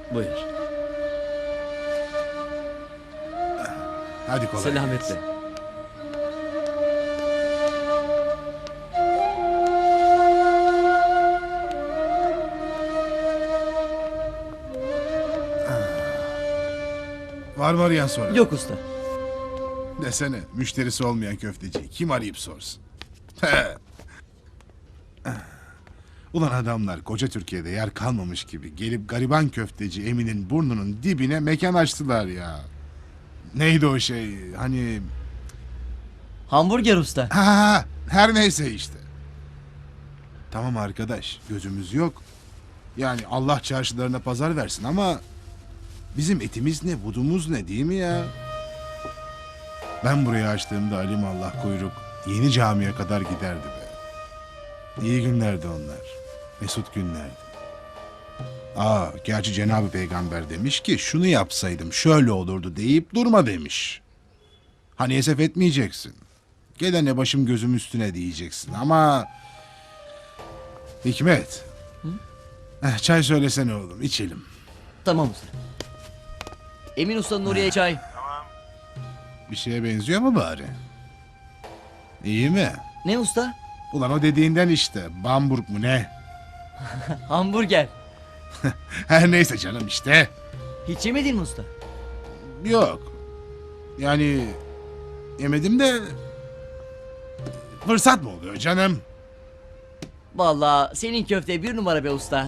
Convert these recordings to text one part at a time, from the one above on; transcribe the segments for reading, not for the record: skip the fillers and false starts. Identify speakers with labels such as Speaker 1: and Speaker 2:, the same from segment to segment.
Speaker 1: Buyur.
Speaker 2: Hadi kolay
Speaker 1: Selametle.
Speaker 2: gelsin. Var mı arayan sonra?
Speaker 3: Yok usta.
Speaker 2: Desene, müşterisi olmayan köfteci kim arayıp sorsun? Ulan adamlar koca Türkiye'de yer kalmamış gibi gelip gariban köfteci Emin'in burnunun dibine mekan açtılar ya. Neydi o şey hani...
Speaker 3: Hamburger usta.
Speaker 2: Ha, her neyse işte. Tamam arkadaş, gözümüz yok. Yani Allah çarşılarına pazar versin ama... Bizim etimiz ne, budumuz ne değil mi ya? Ben burayı açtığımda alimallah kuyruk yeni camiye kadar giderdi be. İyi günlerdi onlar. Mesut günlerdi. Gerçi Cenab-ı Peygamber demiş ki şunu yapsaydım şöyle olurdu deyip durma demiş. Hani esef etmeyeceksin. Gelene başım gözüm üstüne diyeceksin ama... Hikmet. Çay söylesene oğlum, içelim.
Speaker 3: Tamam usta. Emin ustanın oraya çay.
Speaker 2: Bir şeye benziyor mu bari? İyi mi?
Speaker 3: Ne usta?
Speaker 2: Ulan o dediğinden işte. Bamburg mu ne?
Speaker 3: Hamburger.
Speaker 2: Her neyse canım işte.
Speaker 3: Hiç yemedin mi usta?
Speaker 2: Yok. Yani yemedim de fırsat mı oluyor canım?
Speaker 3: Vallahi senin köfte bir numara be usta.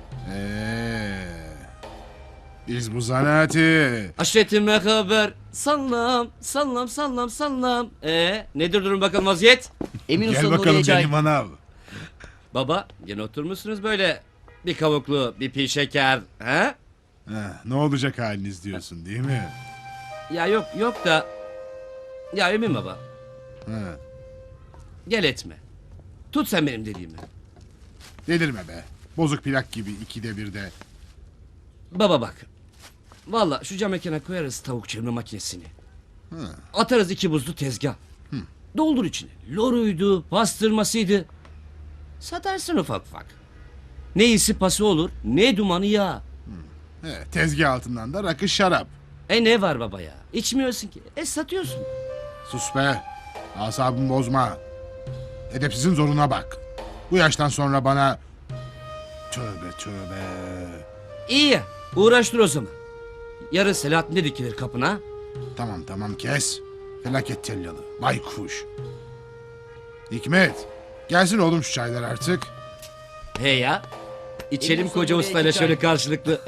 Speaker 2: Biz bu zanaati.
Speaker 1: Aşiretime haber. Sallam, sallam, sallam, sallam. Nedir durum bakalım vaziyet?
Speaker 3: Emin
Speaker 2: Gel
Speaker 3: ustanın oraya
Speaker 2: bakalım
Speaker 3: çay.
Speaker 2: benim manav.
Speaker 1: Baba, yine oturmuşsunuz böyle. Bir kavuklu, bir pi şeker. He?
Speaker 2: Ne olacak haliniz diyorsun değil mi?
Speaker 1: Ya yok da... Ya Emin baba,
Speaker 2: Ha.
Speaker 1: gel etme. Tut sen benim dediğimi.
Speaker 2: Delirme be. Bozuk plak gibi ikide birde.
Speaker 1: Baba bak. Valla şu cam mekana koyarız tavuk çevirme makinesini. Atarız 2 buzlu tezgah. Doldur içine. Loruydu, pastırmasıydı. Satarsın ufak ufak. Ne iyisi pası olur, ne dumanı yağ.
Speaker 2: Tezgah altından da rakı şarap.
Speaker 1: Ne var baba ya? İçmiyorsun ki. Satıyorsun.
Speaker 2: Sus be. Asabımı bozma. Edepsizin zoruna bak. Bu yaştan sonra bana... Tövbe tövbe.
Speaker 1: İyi ya. Uğraştır o zaman. Yarın Selahattin de dikilir kapına.
Speaker 2: Tamam kes. Felaket tellalı. Baykuş. Hikmet. Gelsin oğlum şu çaylar artık.
Speaker 1: He ya. İçelim
Speaker 3: Emin
Speaker 1: koca
Speaker 3: sonunda
Speaker 1: ustayla
Speaker 3: iki
Speaker 1: şöyle
Speaker 3: çay.
Speaker 1: karşılıklı.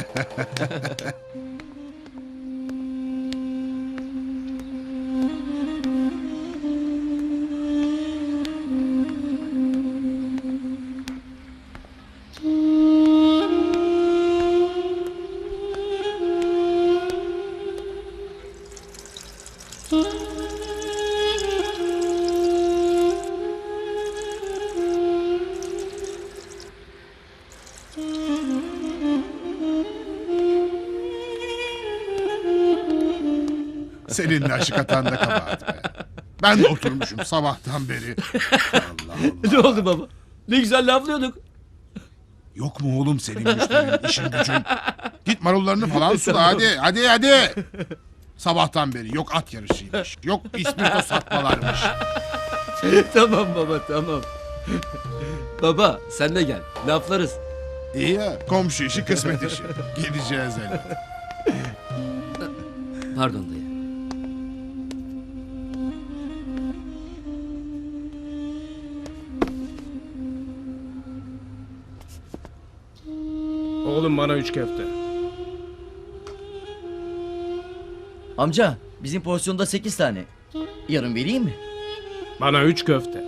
Speaker 2: Senin de aşık atan da kabahat be. Ben de oturmuşum sabahtan beri. Allah Allah.
Speaker 1: Ne oldu baba? Ne güzel laflıyorduk.
Speaker 2: Yok mu oğlum senin müşterinin işin gücün? Git marullarını falan sula hadi. Sabahtan beri yok at yarışıymış. Yok ispirto satmalarmış.
Speaker 1: Tamam baba tamam. Baba sen de gel. Laflarız.
Speaker 2: İyi ya komşu işi kısmet işi. Gideceğiz hele.
Speaker 1: Pardon dayı.
Speaker 4: Oğlum bana 3 köfte.
Speaker 3: Amca bizim porsiyonda 8 tane. Yarın vereyim mi?
Speaker 4: Bana 3 köfte.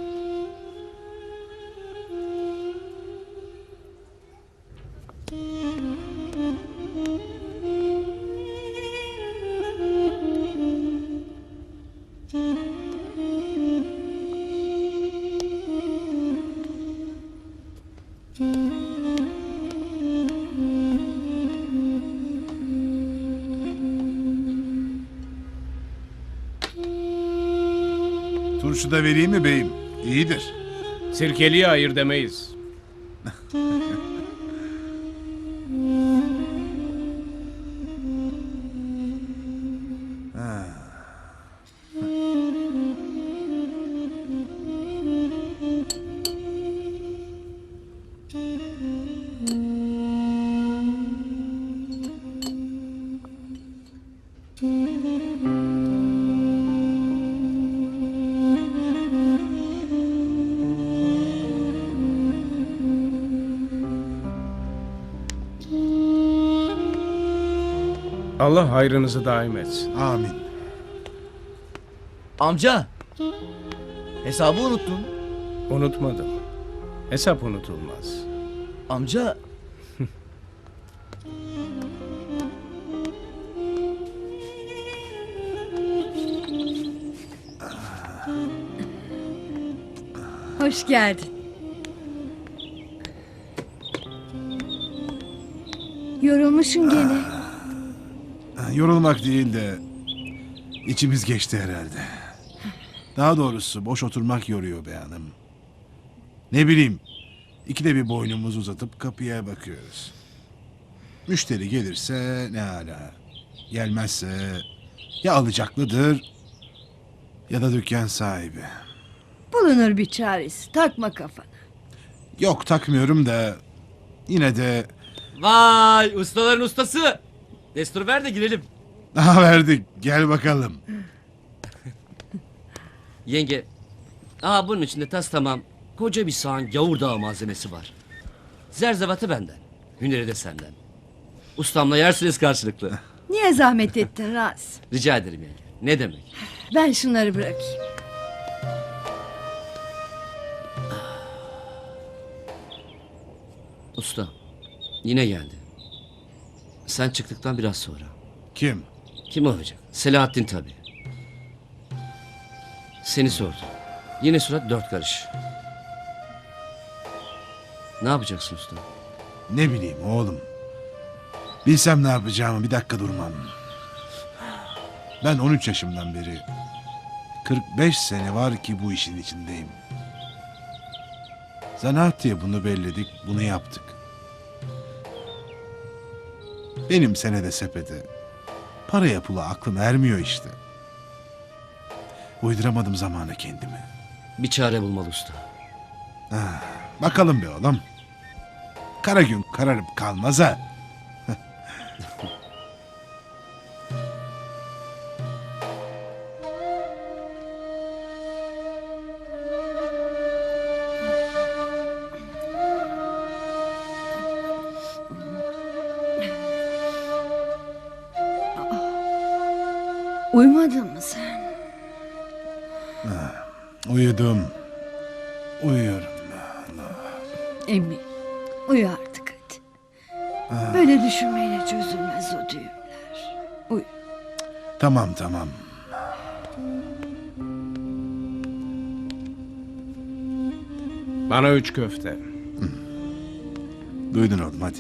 Speaker 2: Turşu da vereyim mi beyim? İyidir.
Speaker 4: Sirkeliye hayır demeyiz. Allah hayrınızı daim etsin.
Speaker 2: Amin.
Speaker 3: Amca. Hesabı unuttun.
Speaker 4: Unutmadım. Hesap unutulmaz.
Speaker 3: Amca.
Speaker 5: Hoş geldin. Yorulmuşsun gene.
Speaker 2: Yorulmak değil de içimiz geçti herhalde. Daha doğrusu boş oturmak yoruyor be hanım. Ne bileyim, ikide bir boynumuzu uzatıp kapıya bakıyoruz. Müşteri gelirse ne hala. Gelmezse ya alacaklıdır ya da dükkan sahibi.
Speaker 5: Bulunur bir çaresi. Takma kafana.
Speaker 2: Yok takmıyorum da yine de
Speaker 1: Vay ustaların ustası. Destur ver de girelim.
Speaker 2: daha verdik. Gel bakalım.
Speaker 1: Yenge. Bunun içinde tas tamam. Koca bir sağan gavur dağı malzemesi var. Zerzevatı benden. Hüneri de senden. Ustamla yersiniz karşılıklı.
Speaker 5: Niye zahmet ettin Rasim?
Speaker 1: Rica ederim yenge. Ne demek?
Speaker 5: Ben şunları bırakayım.
Speaker 1: Usta. Yine geldi. Sen çıktıktan biraz sonra.
Speaker 2: Kim?
Speaker 1: Kim olacak? Selahattin tabii. Seni sordu. Yine surat dört karış. Ne yapacaksın usta?
Speaker 2: Ne bileyim oğlum. Bilsem ne yapacağımı bir dakika durmam. Ben 13 yaşımdan beri 45 sene var ki bu işin içindeyim. Zanaat diye bunu belledik, bunu yaptık. Benim senede sepete paraya pula aklım ermiyor işte. Uyduramadım zamana kendimi.
Speaker 1: Bir çare bulmalı usta.
Speaker 2: Bakalım be oğlum. Kara gün kararıp kalmaz ha.
Speaker 5: Uyumadın mı sen?
Speaker 2: Uyudum. Uyuyorum.
Speaker 5: Emmi, uyu artık hadi. Böyle düşünmeyle çözülmez o düğümler. Uyu.
Speaker 2: Tamam tamam.
Speaker 4: Bana 3 köfte.
Speaker 2: Duydun oğlum hadi.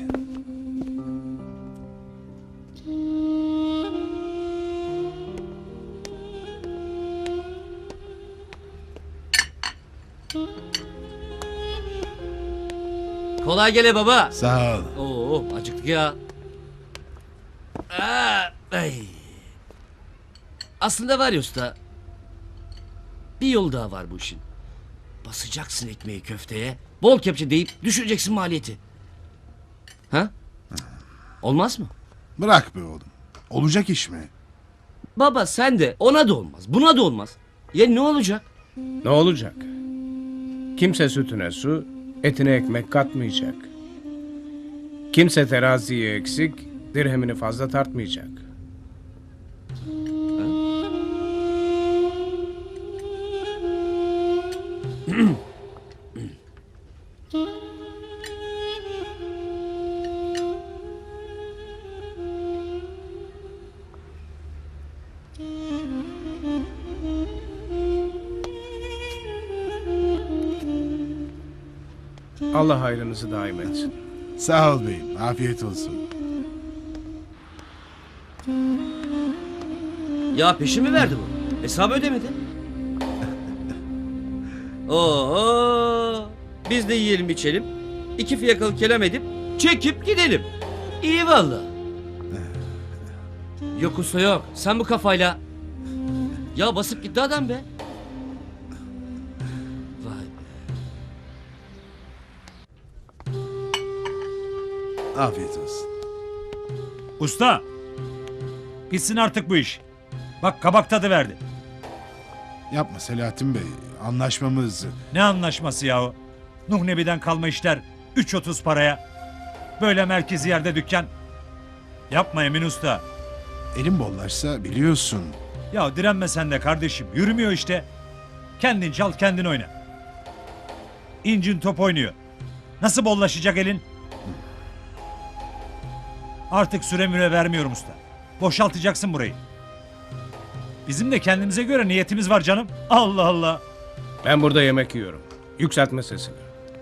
Speaker 1: Kolay gele baba.
Speaker 2: Sağ ol.
Speaker 1: Oo acıktık ya. Ay. Aslında var ya usta. Bir yol daha var bu işin. Basacaksın ekmeği köfteye. Bol kepçe deyip düşüreceksin maliyeti. Ha? Olmaz mı?
Speaker 2: Bırak be oğlum. Olacak iş mi?
Speaker 1: Baba sen de ona da olmaz. Buna da olmaz. Ya ne olacak?
Speaker 4: Ne olacak? Kimse sütüne su, etine ekmek katmayacak. Kimse teraziye eksik, dirhemini fazla tartmayacak. Allah hayrınızı daim etsin.
Speaker 2: Sağ ol beyim. Afiyet olsun.
Speaker 1: Ya peşin mi verdi bu? Hesabı ödemedi. Oo, biz de yiyelim içelim. İki fiyakalı kelam edip çekip gidelim. İyi valla. Yok usta yok. Sen bu kafayla. Ya basıp gitti adam be. Vay be.
Speaker 2: Afiyet olsun.
Speaker 6: Usta. Gitsin artık bu iş. Bak kabak tadı verdi.
Speaker 2: Yapma Selahattin Bey. Anlaşmamız...
Speaker 6: Ne anlaşması yahu? Nuh Nebi'den kalma işler. 3.30 paraya. Böyle merkezi yerde dükkan. Yapma Emin Usta.
Speaker 2: elim bollaşsa biliyorsun.
Speaker 6: Ya direnme sen de kardeşim. Yürümüyor işte. Kendin çal kendin oyna. İncin top oynuyor. Nasıl bollaşacak elin? Artık süre müre vermiyorum usta. Boşaltacaksın burayı. Bizim de kendimize göre niyetimiz var canım. Allah Allah.
Speaker 4: Ben burada yemek yiyorum. Yükseltme sesini.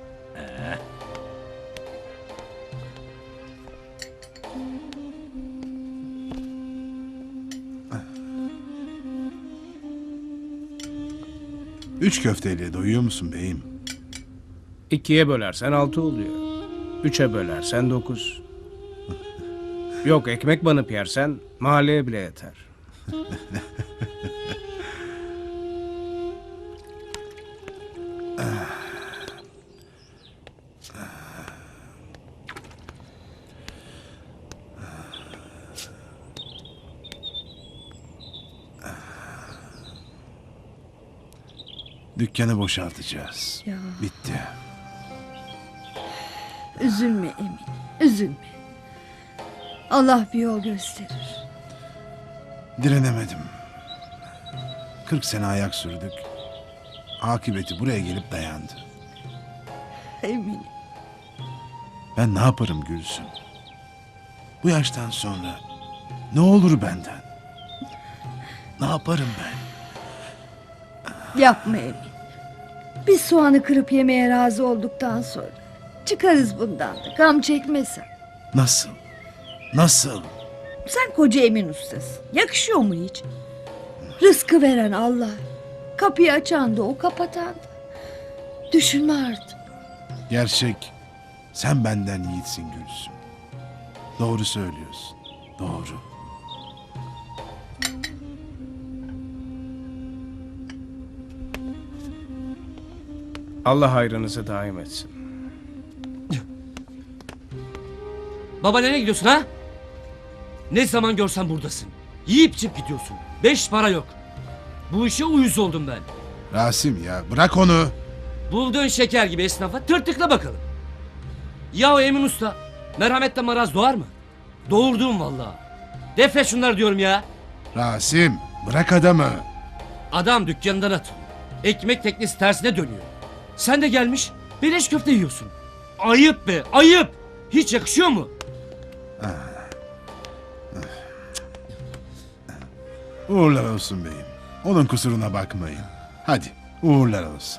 Speaker 2: Üç köfteyle doyuyor musun beyim?
Speaker 4: 2'ye bölersen 6 oluyor. 3'e bölersen 9. Yok, ekmek banıp yersen mahalleye bile yeter.
Speaker 2: Dükkanı boşaltacağız.
Speaker 5: Ya.
Speaker 2: Bitti.
Speaker 5: Üzülme Emin, üzülme. Allah bir yol gösterir.
Speaker 2: Direnemedim. 40 sene ayak sürdük. Akıbeti buraya gelip dayandı.
Speaker 5: Emin.
Speaker 2: Ben ne yaparım Gülsüm? Bu yaştan sonra ne olur benden? Ne yaparım ben?
Speaker 5: Yapma Emin. Biz soğanı kırıp yemeye razı olduktan sonra çıkarız bundan da. Gam çekme sen.
Speaker 2: Nasıl? Nasıl?
Speaker 5: Sen koca Emin ustasın. Yakışıyor mu hiç? Rızkı veren Allah. Kapıyı açan da o, kapatan da. Düşünme artık.
Speaker 2: Gerçek sen benden yiğitsin Gülsüm. Doğru söylüyorsun. Doğru.
Speaker 4: Allah hayrınızı daim etsin.
Speaker 1: Baba nereye gidiyorsun ha? Ne zaman görsen buradasın. Yiyip içip gidiyorsun. 5 para yok. Bu işe uyuz oldum ben.
Speaker 2: Rasim ya bırak onu.
Speaker 1: Bulduğun şeker gibi esnafa tırtıkla bakalım. Ya o Emin Usta merhametten maraz doğar mı? Doğurdum vallahi. Defne şunları diyorum ya.
Speaker 2: Rasim bırak adamı.
Speaker 1: Adam dükkanından atıyor. Ekmek teknesi tersine dönüyor. Sen de gelmiş beleş köfte yiyorsun. Ayıp be ayıp. Hiç yakışıyor mu?
Speaker 2: Uğurlar olsun beyim. Onun kusuruna bakmayın. Hadi uğurlar olsun.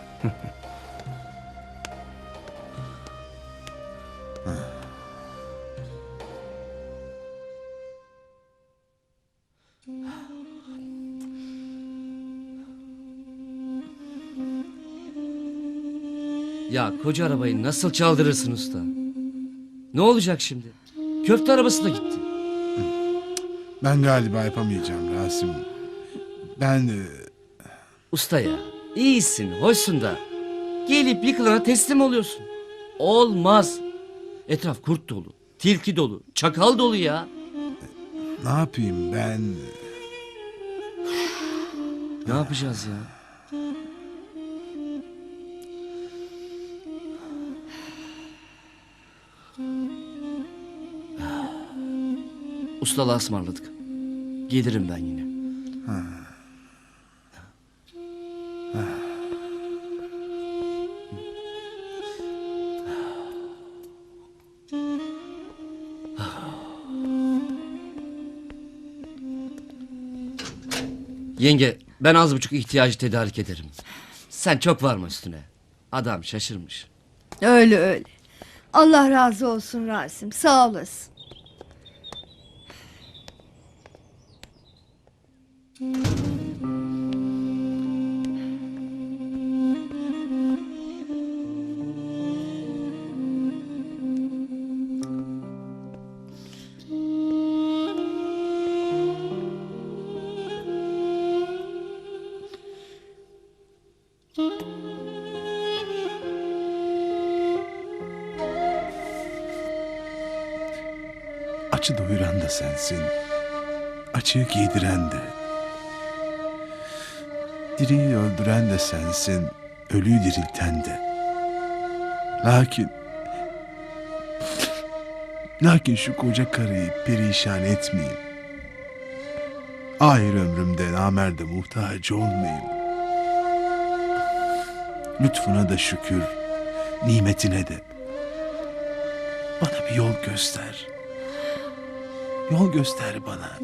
Speaker 1: Ya koca arabayı nasıl çaldırırsın usta? Ne olacak şimdi? Köfte arabası da gitti.
Speaker 2: Ben galiba yapamayacağım Rasim. Ben
Speaker 1: Usta ya iyisin hoşsun da gelip yıkılana teslim oluyorsun. Olmaz. Etraf kurt dolu, tilki dolu, çakal dolu ya.
Speaker 2: ne yapayım ben?
Speaker 1: Ne yapacağız ya? Ustalığa ısmarladık. Gelirim ben yine. Yenge ben az buçuk ihtiyacı tedarik ederim. Sen çok varma üstüne. Adam şaşırmış.
Speaker 5: Öyle öyle. Allah razı olsun Rasim. Sağ olasın.
Speaker 2: Açı doyuran da sensin. Açığı giydiren de. Diriyi öldüren de sensin. Ölüyü dirilten de. Lakin şu koca karıyı perişan etmeyeyim. ahir ömrümde namerde muhtaç olmayayım. Lütfuna da şükür, nimetine de. Bana bir yol göster. Yol göster bana.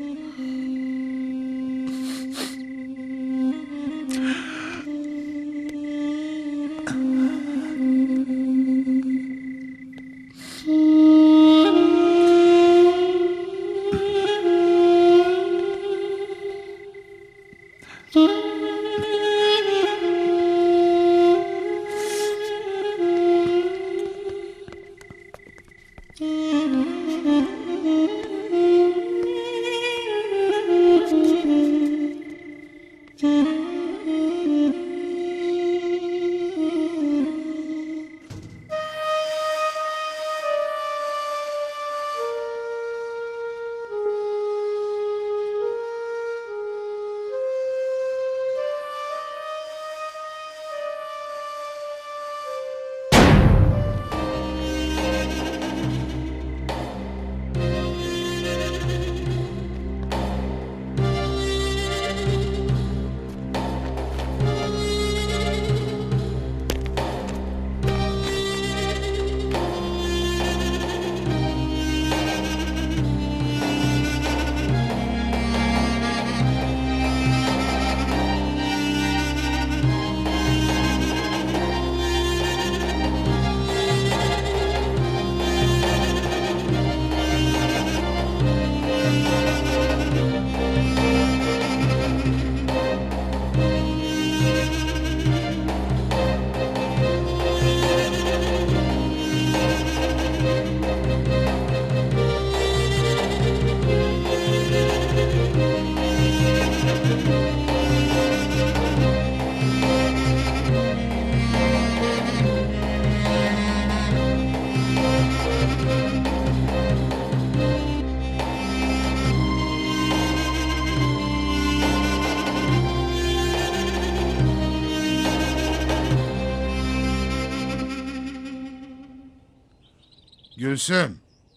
Speaker 2: Gülsüm.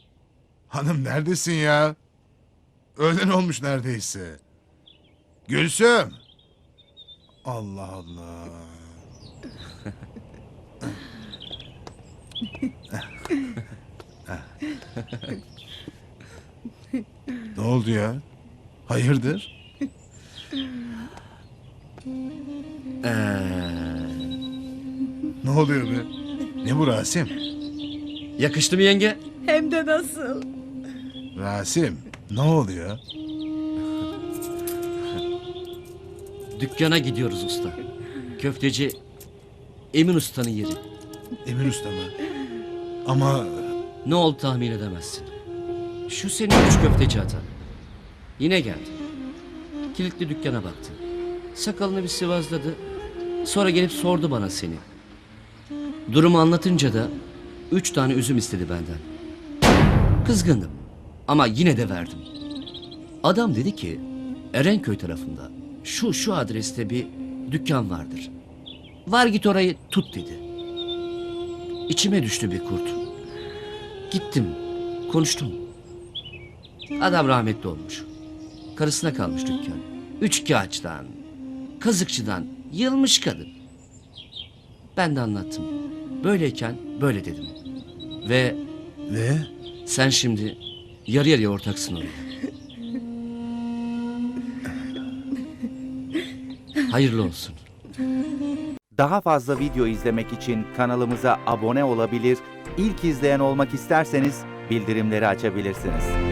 Speaker 2: Hanım neredesin ya? Öğlen olmuş neredeyse. Gülsüm. Allah Allah. Ne oldu ya? Hayırdır? Ne oluyor be? Ne bu Rasim?
Speaker 1: Yakıştı mı yenge?
Speaker 5: Hem de nasıl?
Speaker 2: Rasim, ne oluyor?
Speaker 1: Dükkana gidiyoruz usta. Köfteci Emin Usta'nın yeri.
Speaker 2: Emir Usta mı? Ama
Speaker 1: Ne oldu tahmin edemezsin. Şu senin üç köfteci atan. Yine geldi. Kilitli dükkana baktı. Sakalını bir sıvazladı. Sonra gelip sordu bana seni. Durumu anlatınca da 3 tane üzüm istedi benden. Kızgındım ama yine de verdim. Adam dedi ki Erenköy tarafında şu adreste bir dükkan vardır. Var git orayı tut dedi. İçime düştü bir kurt. Gittim, konuştum. Adam rahmetli olmuş. Karısına kalmış dükkan. Üçkağıtçıdan, kazıkçıdan yılmış kadın. Ben de anlattım. Böyleyken böyle dedim. Ve
Speaker 2: ve
Speaker 1: sen şimdi yarı yarıya ortaksın oraya. Hayırlı olsun.
Speaker 7: Daha fazla video izlemek için kanalımıza abone olabilir, ilk izleyen olmak isterseniz bildirimleri açabilirsiniz.